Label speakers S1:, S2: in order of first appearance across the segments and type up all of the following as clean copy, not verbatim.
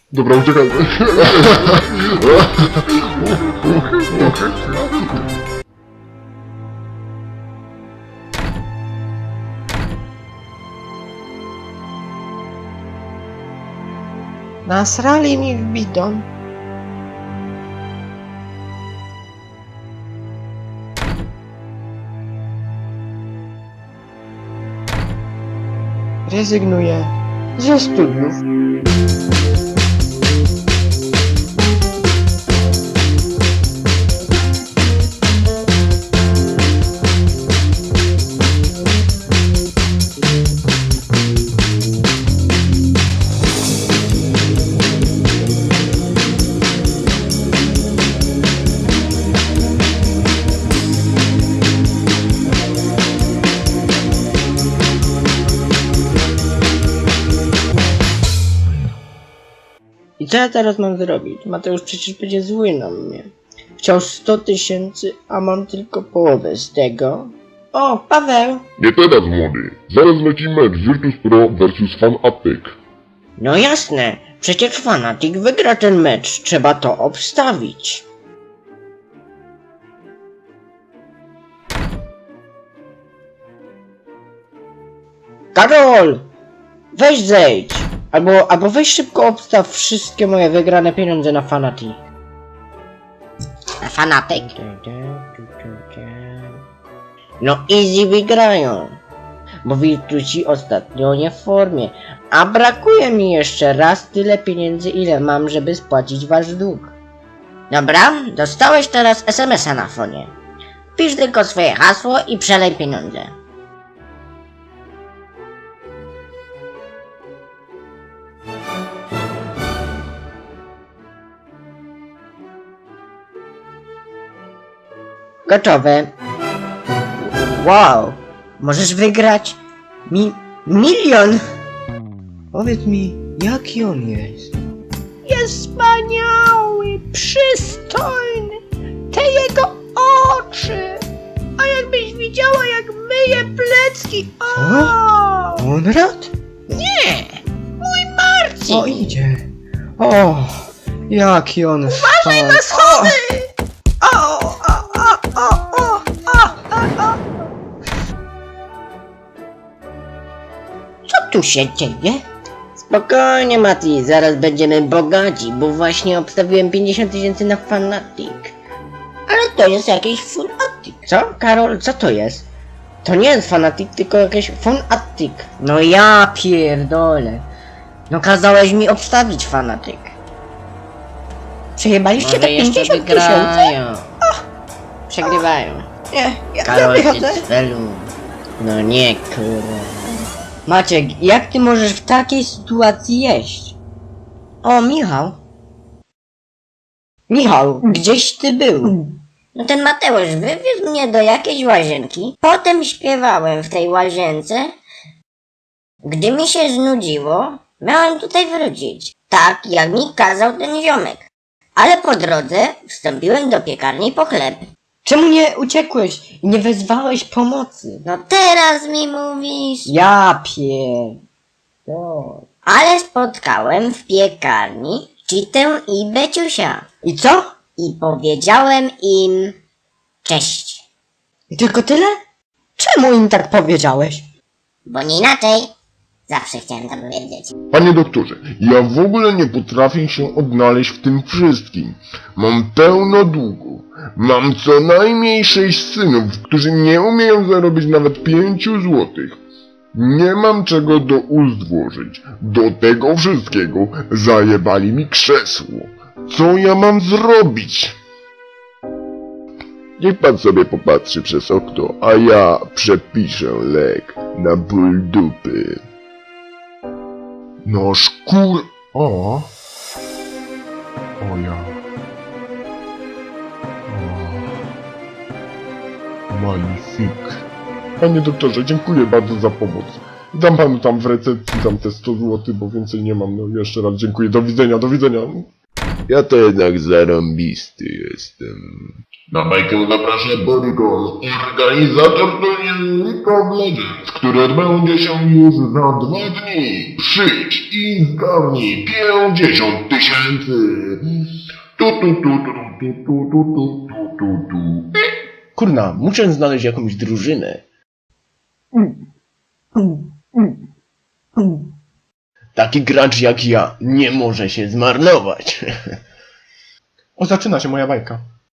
S1: Dobra, uciekajmy.
S2: Nasrali mi w bidon. Rezygnuję ze studiów. I co ja teraz mam zrobić? Mateusz przecież będzie zły na mnie. Chciał 100 000, a mam tylko połowę z tego. O, Paweł!
S1: Nie teraz, młody. Zaraz leci mecz Virtus Pro versus Fanatic.
S2: No jasne, przecież Fanatic wygra ten mecz. Trzeba to obstawić. Karol! Weź zejdź! Albo weź szybko obstaw wszystkie moje wygrane pieniądze na Fanatic.
S3: A Fanatic?
S2: No easy wygrają. Bo Virtusi ostatnio nie w formie. A brakuje mi jeszcze raz tyle pieniędzy, ile mam, żeby spłacić wasz dług.
S3: Dobra, dostałeś teraz SMS-a na fonie. Pisz tylko swoje hasło i przelej pieniądze.
S2: Gotowe. Wow, możesz wygrać milion. Powiedz mi, jaki on jest? Jest wspaniały, przystojny, te jego oczy. A jakbyś widziała, jak myje plecki. Co? Konrad?
S3: Nie! Mój Marcin!
S2: O, idzie. O, jaki on
S3: Uważaj na schody! Co tu się dzieje?
S2: Spokojnie, Mati, zaraz będziemy bogaci, bo właśnie obstawiłem 50 000 na Fanatic.
S3: Ale to jest jakiś Fanatic.
S2: Co? Karol, co to jest? To nie jest Fanatic, tylko jakiś Fanatic. No ja pierdolę. No kazałeś mi obstawić Fanatic. Przejebaliście te 50 000?
S3: Przegrywają.
S2: Nie, ja
S3: Karol,
S2: wychodzę.
S3: ty celu.
S2: No nie, kurwa. Maciek, jak ty możesz w takiej sytuacji jeść? O, Michał. Michał, gdzieś ty był?
S3: No ten Mateusz wywiózł mnie do jakiejś łazienki. Potem śpiewałem w tej łazience. Gdy mi się znudziło, miałem tutaj wrócić. Tak, jak mi kazał ten ziomek. Ale po drodze wstąpiłem do piekarni po chleb.
S2: Czemu nie uciekłeś i nie wezwałeś pomocy?
S3: No teraz mi mówisz.
S2: Ja pierdolę.
S3: Ale spotkałem w piekarni Citę i Beciusia.
S2: I co?
S3: I powiedziałem im cześć.
S2: I tylko tyle? Czemu im tak powiedziałeś?
S3: Bo nie inaczej. Zawsze chciałem to powiedzieć.
S1: Panie doktorze, ja w ogóle nie potrafię się odnaleźć w tym wszystkim. Mam pełno długu. Mam co najmniej 6 synów, którzy nie umieją zarobić nawet 5 złotych. Nie mam czego do ust włożyć. Do tego wszystkiego zajebali mi krzesło. Co ja mam zrobić? Niech pan sobie popatrzy przez okno, a ja przepiszę lek na ból dupy. No szkur... O! O ja... O... Magnifik. Panie doktorze, dziękuję bardzo za pomoc. Dam panu tam w recepcji tam te 100 zł, bo więcej nie mam. No jeszcze raz dziękuję. Do widzenia, do widzenia. Ja to jednak zarąbisty jestem. Na bajkę zaprasza Borykon, organizator turnieju League of Legends, który odbędzie się już za 2 dni. Przyjdź i zgarnij 50 000. Tu.
S2: Kurna, muszę znaleźć jakąś drużynę. Taki gracz jak ja nie może się zmarnować.
S4: O, zaczyna się moja bajka.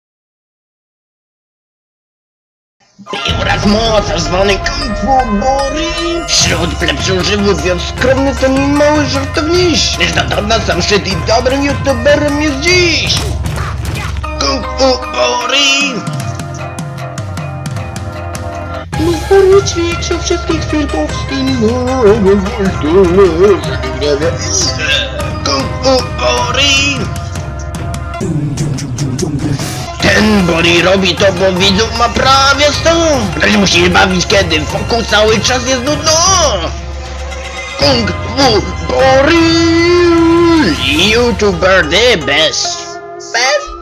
S2: Oraz mocarz zwany Kung Fu Bori. Wśród plebszużywów jest skromny ten i mały żartowniś. Lecz na sam szczyt i dobrym youtuberem jest dziś. Kung Fu Bori. Mister ćwiczył wszystkich filmów Kung Fu Bori. Ten Bori robi to, bo widzów ma prawie 100. Ktoś musi się bawić, kiedy wokół cały czas jest nudno. Kung Fu Bori, YouTuber the best. Best?